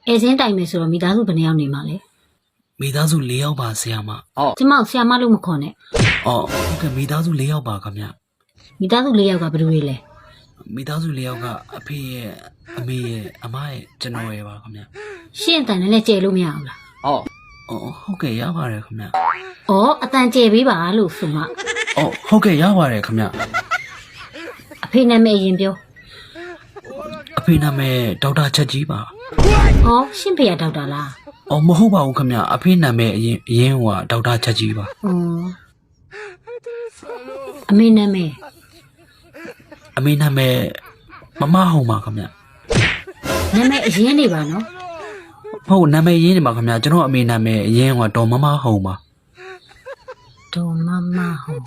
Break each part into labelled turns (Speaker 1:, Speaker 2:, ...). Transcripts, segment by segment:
Speaker 1: အဲစင်းတိုင်မယ်ဆိုတော့မိသားစုဘယ်နှယောက်နေမှာလဲ
Speaker 2: မိသားစု၄ယောက်ပါဆရာမ
Speaker 1: ကျမဆရာမလို့မခေါ်နဲ့
Speaker 2: အော်ဟုတ်ကဲ့မိသားစု၄ယောက်ပါခင်ဗျ
Speaker 1: မိသားစု၄ယောက်ကဘယ်လိုတွေလဲ
Speaker 2: မိသားစု၄ယောက်ကအဖေရဲ့အမေရဲ့အမရဲ့ကျွန်တော်ရဲ့ပါခင်ဗျ
Speaker 1: ရှင့်အတန်နဲ့ကျဲလို့မရဘူးလား
Speaker 2: အော်ဟုတ်ကဲ့ရပါတယ်ခင်ဗျ
Speaker 1: ဩအတန်ကျဲပေးပါလို့ဆိုမှ
Speaker 2: အော်ဟုတ်ကဲ့ရပါတယ်ခင်ဗျ
Speaker 1: အဖေနာမည်အရင်ပြော
Speaker 2: အဖေနာမည်ဒေါက်တာချက်ကြီးပါ
Speaker 1: ဩရှင့်ဖေရဒေါက်တာလား
Speaker 2: အော်မဟုတ်ပါဘူးခင်ဗျအဖေနာမည်အရင်ဟိုဒေါက်တာချက်ကြီးပါ
Speaker 1: ဩအမေနာမည်
Speaker 2: အမေနာမည်မမဟုံပါခင်ဗျ
Speaker 1: နာမည်အရင်နေပါနော်
Speaker 2: ဟုတ်နာမည်ရင်းနေပါခင်ဗျကျွန်တော်အမေနာမည်အရင်ကဒေါ်မမဟုံပါ
Speaker 1: ဒေါ်မမဟုတ်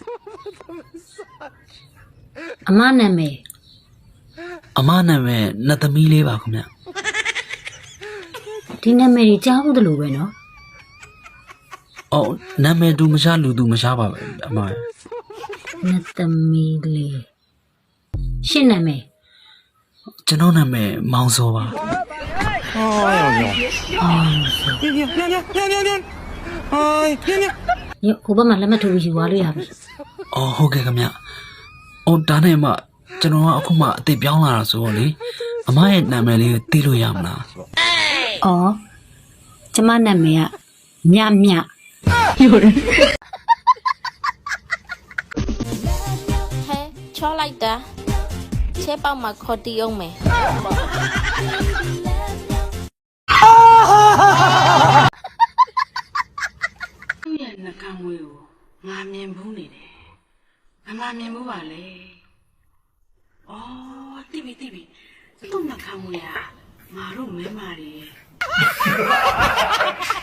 Speaker 1: အမနာမည်
Speaker 2: အမနာမည်နှစ်သမီးလေးပါခင်ဗျ
Speaker 1: ဒီနာမည်ကြီးကြားဘူးတလို့ပဲနော်
Speaker 2: အော်နာမည်သူမရှားလူသူမရှားပါပဲအမ
Speaker 1: နှစ်သမီးလေးရှင့်နာမည်
Speaker 2: ကျွန်တော်နာမည်မောင်စောပါ
Speaker 1: ညဟိုဘက်မှာလက်မှတ်ထိုးပြီးယူသွားလို့ရပြီ
Speaker 2: အော်ဟုတ်ကဲ့ခင်ဗျအော်ဒါနဲ့မှကျွန်တော်ကအခုမှအစ်စ်ပြောင်းလာတာဆိုတော့လေအမရဲ့နာမည်လေးကိုသိလို့ရမလား
Speaker 1: ဩကျမနာမည်ကမြမြယူတယ်
Speaker 3: ဟဲချောလိုက်တာချဲပေါက်မှာခေါ်တီးအောင်မယ်
Speaker 4: သူ့ရဲ့နှကန်းမွေးကိုငါမြင်ဘူးနေတယ်။ငါမြင်ဘူးပါလေ။အော်တိပြီသူ့နှကန်းမွေးကငါတို့မဲမာတွေ